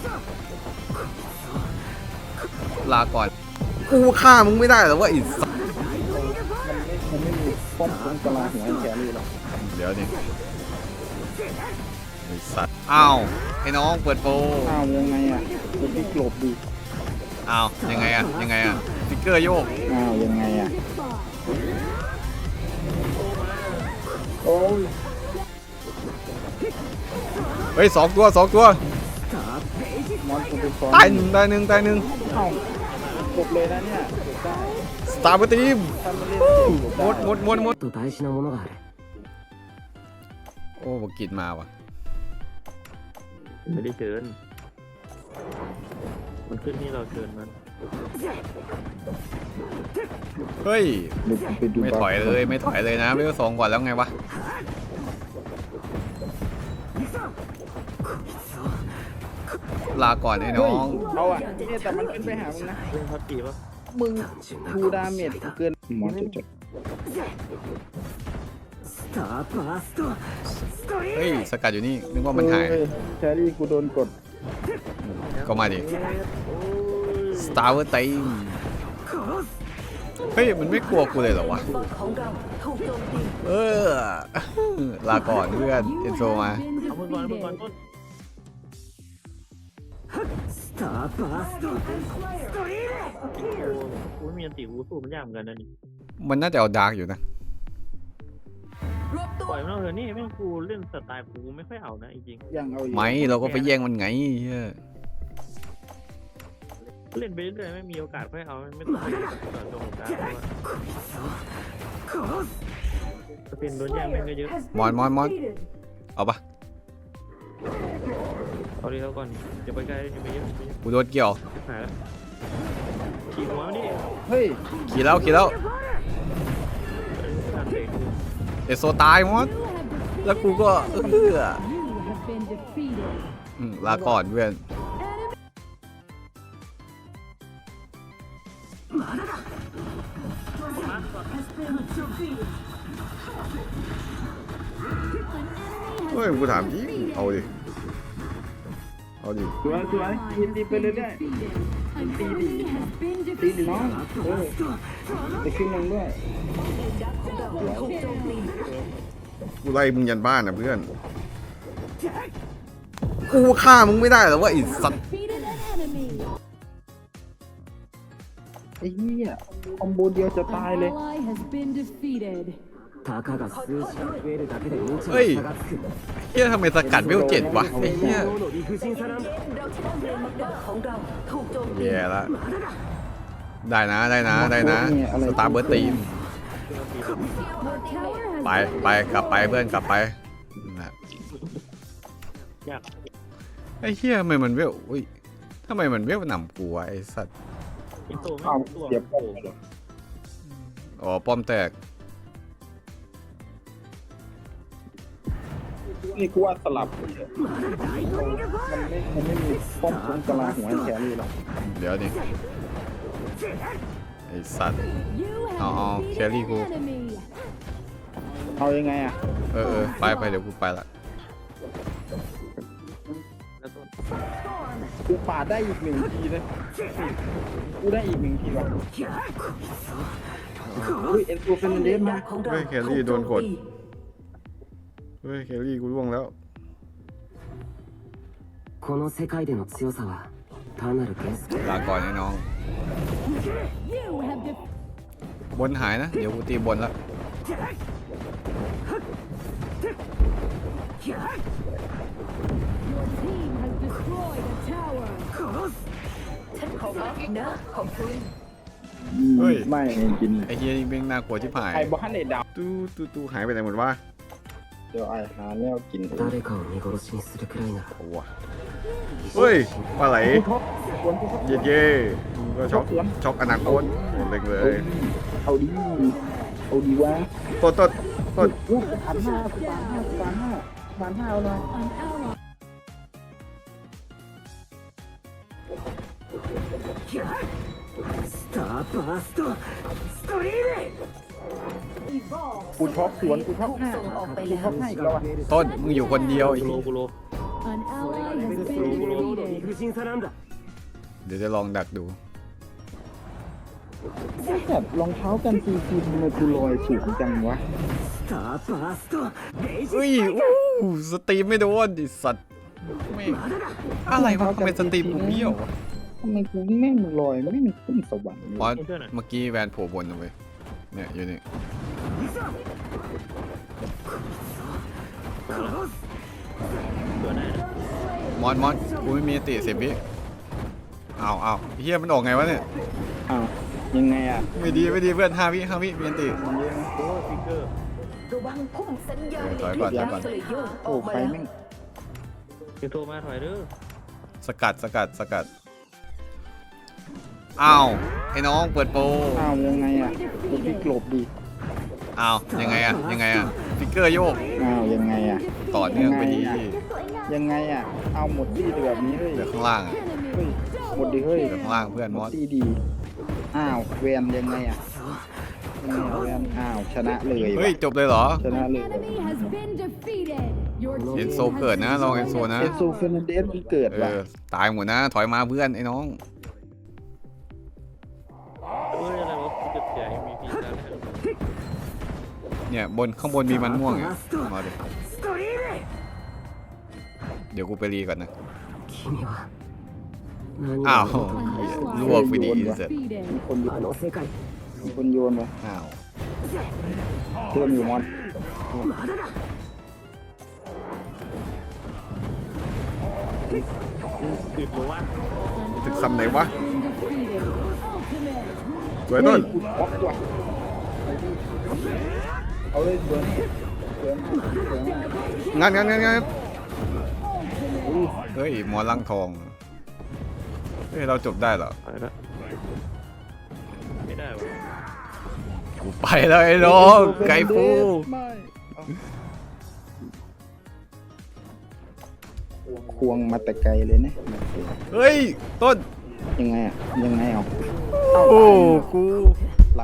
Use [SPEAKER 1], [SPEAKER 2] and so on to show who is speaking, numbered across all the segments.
[SPEAKER 1] ลาก่อนกูฆ่ามึงไม่ได้หรอว่าอีสัตว์
[SPEAKER 2] มันไม่มีป้อมคุ้มกะลาหัวไอ้แครี่หรอก
[SPEAKER 1] เดี๋ยวนี่ไอ้สัตว์อ้าวไอ้น้องเปิดโปร
[SPEAKER 2] อ้าวยังไงอ่ะกูพี่กลบดิ
[SPEAKER 1] อ้าวยังไงอะยังไงอะฟิกเกอร์โยก
[SPEAKER 2] อ้าวยังไงอ่ะโอ้ย
[SPEAKER 1] เฮ้ยสองตัว
[SPEAKER 2] มอนกูไปซ้อน
[SPEAKER 1] ตายหนึ่งตายหนึ่งตายหนึ่ง
[SPEAKER 2] เอ้าจบเลยนะเนี่ยจบได้
[SPEAKER 1] สตาร์บัคทีม
[SPEAKER 2] ถ้ามันเล่นจบ
[SPEAKER 1] หม
[SPEAKER 2] ได้
[SPEAKER 1] ดหมดหมดหมด
[SPEAKER 3] と大事なものがある。
[SPEAKER 1] โอ้บกิดมาว่ะ
[SPEAKER 4] ไม่ได้เชิญมันขึ้นที่เราเชิญมัน
[SPEAKER 1] เฮ้ย
[SPEAKER 2] เดี๋ยวกูไปดู
[SPEAKER 1] ไม่ถอยเลยไม่ถอยเลยนะเวลสองก่อนแล้วไงวะลาก่อนไอ้น้
[SPEAKER 2] เฮ้ย
[SPEAKER 1] อง
[SPEAKER 2] เอาอ่ะเนี่ยแต่มันขึ้นไปหามึงนะ
[SPEAKER 4] เรื่องพักกี่ปะ
[SPEAKER 2] มึงทูดาเมจเกินมอนจะจบ
[SPEAKER 1] เฮ้ยสกัดอยู่นี่นึกว่ามันหาย
[SPEAKER 2] เฮ้แครี่กูโดนกด
[SPEAKER 1] ก็มาดิสตาร์บัคทีมเฮ้ยมันไม่กลัวกูเลยเหรอวะเออลาก่อนเพื่อนเอ็นโซมา
[SPEAKER 4] เอามือก่อนต้นกูไม่มีอันติกูสู้มันยากเหมือนกันนะนี่
[SPEAKER 1] มันน่าจะเอาดาร์กอยู่นะ
[SPEAKER 4] ปล่อยมันเอาเถอะนี่แม่งกูเล่นสไตล์กูไม่ค่อยเอานะจริง
[SPEAKER 2] ยังเอาอยู่
[SPEAKER 1] ไม่เราก็ไปแย่งมันไงเฮ้ย
[SPEAKER 4] ๆเล่นไปเรื่อยๆไม่มีโอกาสค่อยเอาไม่ต้องไปต่อตรงกลางเพราะว่าเป็นโดนแย่งแม่งก็เยอะ
[SPEAKER 1] มอนเอาปะ
[SPEAKER 4] เอาดีเท่าก่อนอย่าไปใกล้อย่าไปเยอะ
[SPEAKER 1] กูโดนเกี่ยว
[SPEAKER 4] ชิบหายแล้วขี่หัวมันดิ
[SPEAKER 2] เฮ้ย
[SPEAKER 1] ขี่แล้วเอโซตายมอนแล้วกูก็ลาก่อนเพื่อนเฮ้ยกูถามจริงเอาดิ
[SPEAKER 2] สวยตีไปเรื่อยๆตีดิน้องไปขึ้นลงด้วย
[SPEAKER 1] กูไล่มึงยันบ้านนะเพื่อนกูฆ่ามึงไม่ได้หรอว่าอีสัตว์
[SPEAKER 2] ไอ้เหี้ยคอมโบเดียวจะตายเลย
[SPEAKER 3] たかが数字が増えるだけで命に
[SPEAKER 1] เฮ้ย
[SPEAKER 3] 差がつく。
[SPEAKER 1] เฮียทำไมสกัดเวล7วะไอ้เฮีย
[SPEAKER 3] 今日の理不尽さなんだ。
[SPEAKER 1] แย่ละได้นะสตาร์เบิร์ตทีมไปกลับไปเพื่อนกลับไปนะ
[SPEAKER 4] ยาก
[SPEAKER 1] ไอ้เฮียทำไมมันเวลอุ้ยทำไมมันเวลหนำกูวะไอ้สัตว์
[SPEAKER 4] ไอ้ตัวไม่
[SPEAKER 2] อ้าว
[SPEAKER 4] ตัว
[SPEAKER 2] เสียบป้อม
[SPEAKER 1] อ๋อป้อมแตก
[SPEAKER 2] นี่กูว่าสลับมันไม่มีป้อมคุ้มกะลาหัวไอ้แครี่หรอก
[SPEAKER 1] เดี๋ยวดิไอ้สัตว์เอาแครี่กู
[SPEAKER 2] เอายังไงอ่ะ
[SPEAKER 1] ไปเดี๋ยวกูไปละ
[SPEAKER 4] แล้วต้น
[SPEAKER 2] กูปาดได้อีก1 ทีเลยกูได้อีก1 ทีว่ะอุ้ยเอ็นโซเฟนเดสมา
[SPEAKER 1] เฮ้ยแครี่โดนกดเฮ้ยแครี่กูร่วงแล้ว
[SPEAKER 3] この世界での強さは単なる幻想。
[SPEAKER 1] ลาก่อนไอ้น้องบนหายนะเดี๋ยวกูตีบนละ เฮ้ย
[SPEAKER 2] ไม่กิน
[SPEAKER 1] ไอ้เฮียนี่แม่งน่ากลัวที่ผาย
[SPEAKER 2] ไอ้บ้านไอ้ดาว
[SPEAKER 1] ตู้หายไปไหนหมดวะ
[SPEAKER 2] เดี๋ยวไอ้หาแนวกิน
[SPEAKER 3] 誰かを見殺しにするくらいなら
[SPEAKER 1] โอ้วะเฮ้ยปลาไหล
[SPEAKER 2] ควรกูเขา
[SPEAKER 1] เย่มึงก็ช็อกอนาคตเล็กเลย
[SPEAKER 2] เอาดีวะ
[SPEAKER 1] ต้น
[SPEAKER 2] อู้ผ่านห้าเอาเลยกูช็อกสวนกูช็อกหน้ากูช็อกให้อีกแล้วอ่ะ
[SPEAKER 1] ต้นมึงอยู่คนเดียวไอ้
[SPEAKER 4] กูโล
[SPEAKER 5] An ally has been defeated.
[SPEAKER 3] 理不尽さなんだ
[SPEAKER 1] เดี๋ยวจะลองดักดู
[SPEAKER 2] แบบรองเท้ากันซีซีทำไมกูลอยสูงจังวะ
[SPEAKER 3] スターバーストレイジ
[SPEAKER 1] อุ้ยอู้สตรีมไม่โดนดิสัตว์แม่งอะไรวะทำไมสตรีมกูเบี้ยววะ
[SPEAKER 2] ทำไมกูแม่งลอยไม่มีขึ้นสวรรค์เลย
[SPEAKER 1] เพราะเมื่อกี้แวนโผล่บนเอาไว้เนี่ยอยู่นี่
[SPEAKER 4] ตัวไหนนะ
[SPEAKER 1] มอนกูไม่มีอันติ10 วิเอาเฮียมันออกไงวะเนี่ย
[SPEAKER 2] อ้าวยังไงอ่ะ
[SPEAKER 1] ไม่ดีเพื่อน5 วิมีอันติ
[SPEAKER 2] มันเยอะนะ
[SPEAKER 4] โอ้ฟิกเกอร์
[SPEAKER 6] ระวังพุ่มสัญญาณ
[SPEAKER 1] ถอยก่อน
[SPEAKER 6] ก็เลยโยกอ
[SPEAKER 2] โอ้
[SPEAKER 6] อกมา
[SPEAKER 2] ไฟ
[SPEAKER 6] แล้ว
[SPEAKER 2] แม่ง
[SPEAKER 4] คือโทรมาถอยเด้อ
[SPEAKER 1] สกัดอ้าวไอ้น้องเปิดโปร
[SPEAKER 2] อ้าวยังไงอ่ะกูพี่กลบดี
[SPEAKER 1] อ้าวยังไงอะฟิกเกอร์โยก
[SPEAKER 2] อ้าวยังไงอ่ะ
[SPEAKER 1] ต่อเนื่องไปดี
[SPEAKER 2] ยังไงอ่ะเอาหมดที่แบบนี้เลย
[SPEAKER 1] เหลือข้างล่างอะ
[SPEAKER 2] เฮ้ยหมดดิเฮ้ย
[SPEAKER 1] เหลือข้างล่างเพื่อน
[SPEAKER 2] ห
[SPEAKER 1] ม
[SPEAKER 2] ม
[SPEAKER 1] อ
[SPEAKER 2] ด
[SPEAKER 1] ส
[SPEAKER 2] ที่ดีอ้าวแวนยังไงอ่ะยังไงอะแวนอ้าวชนะเลย
[SPEAKER 1] เฮ้ย
[SPEAKER 2] ว่ะ
[SPEAKER 1] จบเลยเหรอ
[SPEAKER 2] ชนะ
[SPEAKER 5] An
[SPEAKER 2] เลย
[SPEAKER 5] enemy has been defeated. Your
[SPEAKER 1] เอ็น
[SPEAKER 5] team
[SPEAKER 1] โซเกิดนะ
[SPEAKER 5] has
[SPEAKER 1] ลองเอ็นโซนะ
[SPEAKER 2] เอนโซเฟรนันเดสมันเกิดว่ะ
[SPEAKER 1] ตายหมดนะ ถอยมาเพื่อนไอ้น้อง
[SPEAKER 4] เอ้ยอะไรวะกูจะเสีย MVP ตามไม่ทัน
[SPEAKER 1] เนี่ยข้างบนมีมันม่วงเนี่ยมาดิ
[SPEAKER 3] ストリーム
[SPEAKER 1] เดี๋ยวกูไปรีก่อนนะ
[SPEAKER 3] 君は何
[SPEAKER 1] อ้าว
[SPEAKER 3] を
[SPEAKER 1] ลวกไปดีเสร็จ
[SPEAKER 5] defeated.
[SPEAKER 2] คนโย
[SPEAKER 3] あ
[SPEAKER 2] น
[SPEAKER 3] の世界
[SPEAKER 2] มีคนโยนวะ
[SPEAKER 1] อ้าว
[SPEAKER 2] เพิ่มอยู่มอน
[SPEAKER 3] まだだ
[SPEAKER 4] อึดหรือว่า
[SPEAKER 1] ถึงคำไหนวะ
[SPEAKER 5] Been defeated. Ultimate.
[SPEAKER 1] สวยต้น
[SPEAKER 2] กูบล็อกว่ะเอาเลยเบิร์นเบิร์นเบิร์น
[SPEAKER 1] งั้นเฮ้ยหมอลังทองเฮ้ยเราจบได้เหรอ
[SPEAKER 4] ถอยละไม่ได้วะ
[SPEAKER 1] กูไปแล้วไอ้น้องไก่ฟู
[SPEAKER 2] ไม่ควงมาแต่ไกลเลยนะ
[SPEAKER 1] เฮ้ยต้น
[SPEAKER 2] ยังไงอ่ะยังไงเอา
[SPEAKER 1] โอ้กู
[SPEAKER 2] ไหล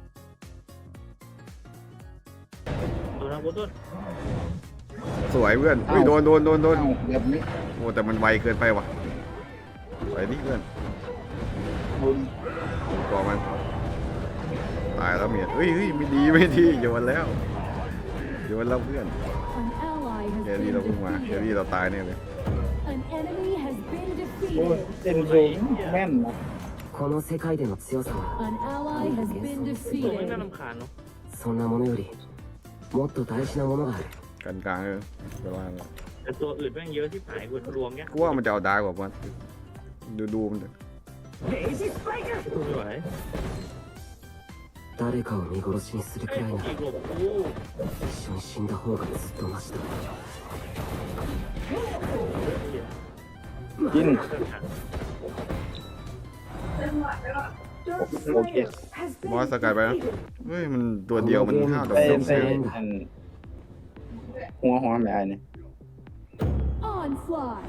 [SPEAKER 4] ตัวทางบนต้น
[SPEAKER 1] สวยเพื่อนเฮ้ยโดน
[SPEAKER 2] เอาแบบนี้
[SPEAKER 1] โอ้แต่มันไวเกินไปว่ะไปดิเพื่อนก่อมันตายแล้วเมียเฮ้ยไม่ดีโยนแล้วเพื่อน
[SPEAKER 5] An ally
[SPEAKER 1] เฮ
[SPEAKER 5] has
[SPEAKER 1] ลี่
[SPEAKER 5] been
[SPEAKER 1] เราเพิ่งมาเฮ
[SPEAKER 5] defeated.
[SPEAKER 1] ลี่เราตายแน่เลย
[SPEAKER 5] An enemy has been
[SPEAKER 2] โอ้ย
[SPEAKER 5] defeated.
[SPEAKER 2] เอ็นโซแม่นนะ
[SPEAKER 3] この世界での強さは
[SPEAKER 5] An ally has been
[SPEAKER 4] ตัวไม่น่า
[SPEAKER 5] defeated.
[SPEAKER 4] รำคาญเนาะ
[SPEAKER 3] そんなものよりもっと大事なものがある
[SPEAKER 1] กันกลางเวลา
[SPEAKER 4] แต่ตัวอื่นแม่งเยอะที่หายกูรวมเงี้ย
[SPEAKER 1] กูว่ามันจะเอาดาร์กกว่ามันดูมันเถอะ
[SPEAKER 3] レイジスパイク
[SPEAKER 4] ไม่ไหว
[SPEAKER 3] 誰かを見殺しにするく
[SPEAKER 4] ไอ้
[SPEAKER 3] らいなら
[SPEAKER 4] อีกหลบกู
[SPEAKER 3] 一緒に死んだ方がずっとマシだ
[SPEAKER 2] กินโอเค
[SPEAKER 1] มอสสกายไปนะเฮ้ยมันตัวเดียวมัน5 ดอก
[SPEAKER 2] ไป
[SPEAKER 1] ดอก
[SPEAKER 2] ไป
[SPEAKER 1] เสีย
[SPEAKER 2] อันหัวไม่ไอ้เนี่ย
[SPEAKER 5] Onslaught.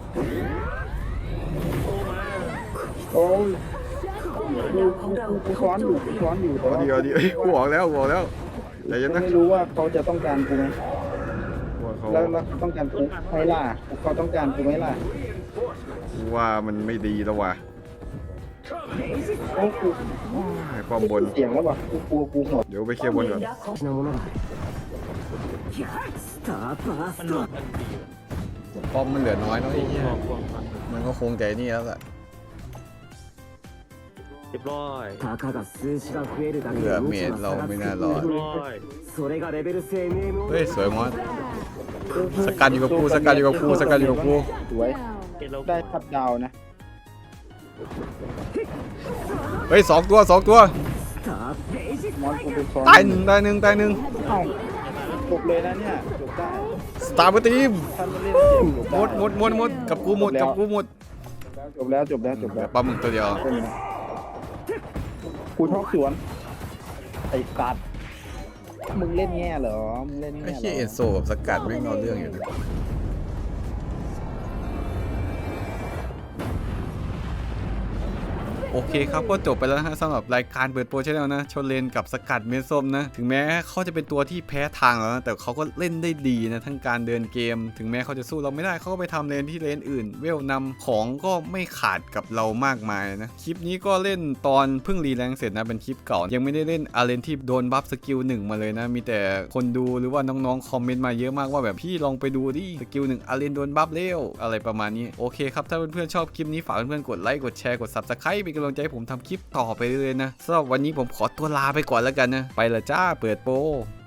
[SPEAKER 4] โอ้มา
[SPEAKER 2] โอ้ย กูซ้อนอยู่แต่ว่า
[SPEAKER 1] เอาดีเฮ้ยกูบอกแล้วแต่ยัง
[SPEAKER 2] ไม่
[SPEAKER 1] นะ
[SPEAKER 2] รู้ว่าเขาจะต้องการกูไหม
[SPEAKER 1] ว่าเขา
[SPEAKER 2] แล้วเขาต้องการกูไหม่ล่ะเขาต้องการกูไหม่ล่ะ
[SPEAKER 1] ว่ามันไม่ดีแล้วว่ะ
[SPEAKER 2] โอ้กู
[SPEAKER 1] ให้ป้อมบน
[SPEAKER 2] เสียงแล้วว่ะกูกลัวกูหมด
[SPEAKER 1] เดี๋ยวไปเคลียร์บนก่อน
[SPEAKER 3] 大事なものがあるスターバース
[SPEAKER 4] มัน
[SPEAKER 3] ト
[SPEAKER 4] หลบมันดี
[SPEAKER 1] ป้อมมันเหลือน้อยเนาะไอ้เหี้ย
[SPEAKER 4] หลอกควงมัน
[SPEAKER 1] มันก็คงใจนี่แล้วแหละ
[SPEAKER 4] เรียบร้อย
[SPEAKER 3] たかが数字が増えるだけ
[SPEAKER 1] เผื่อ
[SPEAKER 3] で
[SPEAKER 1] เม
[SPEAKER 3] 無
[SPEAKER 1] ด
[SPEAKER 3] 知
[SPEAKER 1] เรา
[SPEAKER 3] な差が
[SPEAKER 1] ไม่
[SPEAKER 3] つく
[SPEAKER 1] น่ารอด
[SPEAKER 4] เรียบร้อย
[SPEAKER 3] それがレベル制 MMO
[SPEAKER 1] เฮ้ยสวยมอสสกัดอยู่กับกูสกัดอยู่กับกู
[SPEAKER 2] สวย
[SPEAKER 5] Down.
[SPEAKER 4] เห็นเรา
[SPEAKER 2] ได้ทับดาวนะ
[SPEAKER 1] เฮ้ย2 ตัว
[SPEAKER 3] スターレイジ
[SPEAKER 2] มอนกูเป็นซ้อน
[SPEAKER 1] ตายหนึ่ง
[SPEAKER 2] เอ้าจบเลยนะเนี่ยจบได้
[SPEAKER 1] สตาร์เบอร์ทีม
[SPEAKER 2] ถ้าไม่เล่นเกมจบ
[SPEAKER 1] ห
[SPEAKER 2] ได้
[SPEAKER 1] มดกับกูหมด
[SPEAKER 2] จบแล้วจบแล้ว
[SPEAKER 1] ปลาหมึกตัวเดียว
[SPEAKER 2] เป็นไงกูชอบสวนไอ้สัตว์มึงเล่นแง่เหรอมึงเล่น
[SPEAKER 1] ไอ้
[SPEAKER 2] แง่เหร
[SPEAKER 1] เหี้ยเอ็นโซกับสกัดไม่งเอาเรื่องอยู่นะโอเคครับก็จบไปแล้วนะฮะสำหรับรายการเปิดโปรชแนลนะชนเลนกับสกัดเมส้มนะถึงแม้เขาจะเป็นตัวที่แพ้ทางแล้วนะแต่เขาก็เล่นได้ดีนะทั้งการเดินเกมถึงแม้เขาจะสู้เราไม่ได้เขาก็ไปทำเลนที่เลนอื่นเวลนำของก็ไม่ขาดกับเรามากมายนะคลิปนี้ก็เล่นตอนเพิ่งรีแรงเสร็จนะเป็นคลิปเก่ายังไม่ได้เล่นอาเลนที่โดนบัฟสกิล1มาเลยนะมีแต่คนดูหรือว่าน้องๆคอมเมนต์มาเยอะมากว่าแบบพี่ลองไปดูดิสกิล1อาเลนโดนบัฟเร็วอะไรประมาณนี้โอเคครับถ้าเพื่อนๆชอบคลิปนี้ฝากเพื่อนๆกดไลค์กดแชร์กด Subscribe เป็นกำลังใจให้ผมทำคลิปต่อไปเลยนะสำหรับวันนี้ผมขอตัวลาไปก่อนแล้วกันนะไปละจ้าเปิดโปร